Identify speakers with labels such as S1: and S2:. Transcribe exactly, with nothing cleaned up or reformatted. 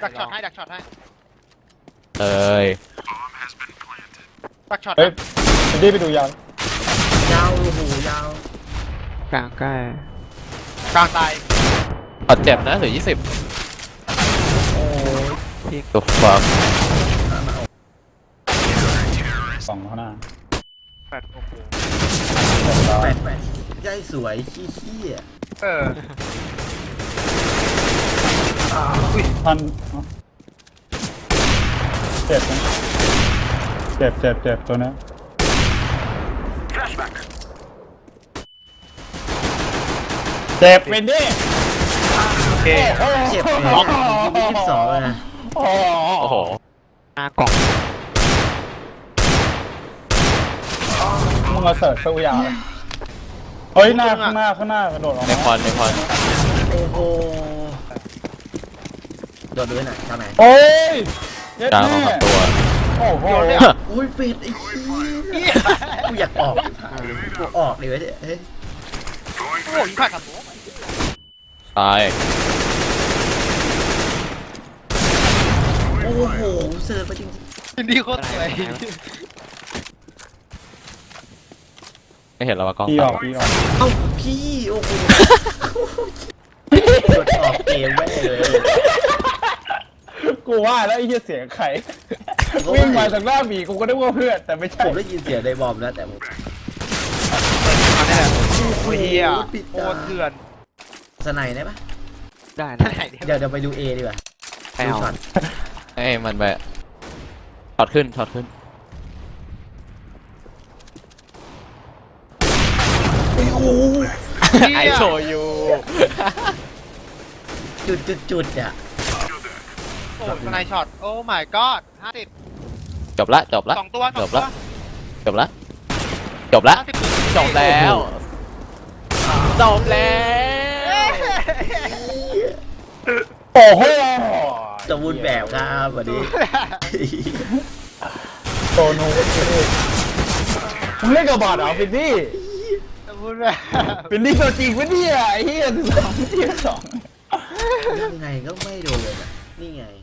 S1: ดักช็อตให้ดักช็อตให้
S2: เอ้ย
S1: ดักช็อต
S3: เฮ้ยไปดิไปดูยาว
S4: ยาวโอ้โหยาว
S5: กลางใกล้
S1: กลางตาย
S2: พอเจ็บนะเหลือยี่สิบ
S4: โอ้ย
S2: ตัวฟัง
S3: สองข้างหน้า
S1: แปดโอ้โห
S4: แปดแปดใจสวยขี้ขี้อ่ะ
S1: เออ
S3: พันเจ็บนะเจ็บเจ็บเจ็บตัวนี้เจ็บเป็นดิ
S1: โอเค
S4: เจ็บเลยอ่ะยี่สิบสองเลยนะ
S3: โอ้
S2: โอ้โห
S5: หน้ากล่อง
S3: มึงมาเสิร์ฟสู้ยาวเฮ้ยหน้าข้างหน้าข้างหน้ากระโดดออก
S2: ใน
S3: มา
S2: คอนในคอน
S4: โอ้โหโดดด้วยน่ะทำไม
S3: โอ้ยเย็ด
S2: กลาง
S3: แม่
S2: ของตัว
S3: โอ้โห
S4: โอ้ยเป็ดไอ้ขี้กูอยากออกกูออกเลยวะเนี่ยเฮ้ย
S1: โอ้โหยิงผ่านกับโบ
S2: ตาย
S4: โอ้โหเสิร์ฟไปจริง
S1: ยินดีโคตรสวย
S2: ไม่เห็นเราว่ากล้อง
S3: พี่อ
S2: ตา
S3: อกพี่ออก
S4: ๆเอ้าพี่โอ้โหกดออกเกมไว้เลย
S3: กูว่าแล้วไอ้เหี้ยเสียงใครวิ่งมาจากหน้าบีกูก็นึกว่าเพื่อนแต่ไม่ใช่
S4: ผมได้ยินเสียงในบอมแล้วแต่ผม
S1: อันนี้แหละโอ้ยเฮียโคตรเถื่อน
S4: สไนได้ปะ
S5: ได้
S1: ไหน
S5: นะ
S1: เนี่ย
S4: เดี๋ยวเดี๋ยวไปดูเอดีกว่า
S5: ใคร
S4: ดู
S5: เอา
S4: ช็อต
S2: เอ้ยมันไปถอดขึ้นถอดขึ้น
S4: โอ้โห
S2: ไอโชยู
S4: จุดจุดจุดอ่ะ
S1: โอ้สไนช็อตโอ้ my god ห้าสิบ
S2: จบละจบละ
S1: สองตัวส
S2: จ
S1: อง
S2: บ
S1: ตัว
S2: ละจบละจบละ
S1: ห้าสิบ
S2: จบแล้วจบแล้ว
S3: โอ้โห
S4: สมบูรณ์แบบครับวันนี้
S3: โตโน่มึงเล่นกับบอดเหรอฟินนี่
S1: พูดแบบ
S3: ฟินนี่ตัวจริงวะเนี่ยไอ้เหี้ยสิบสองที่สอง
S4: ยังไงก็ไม่โดนอ่ะนี่ไง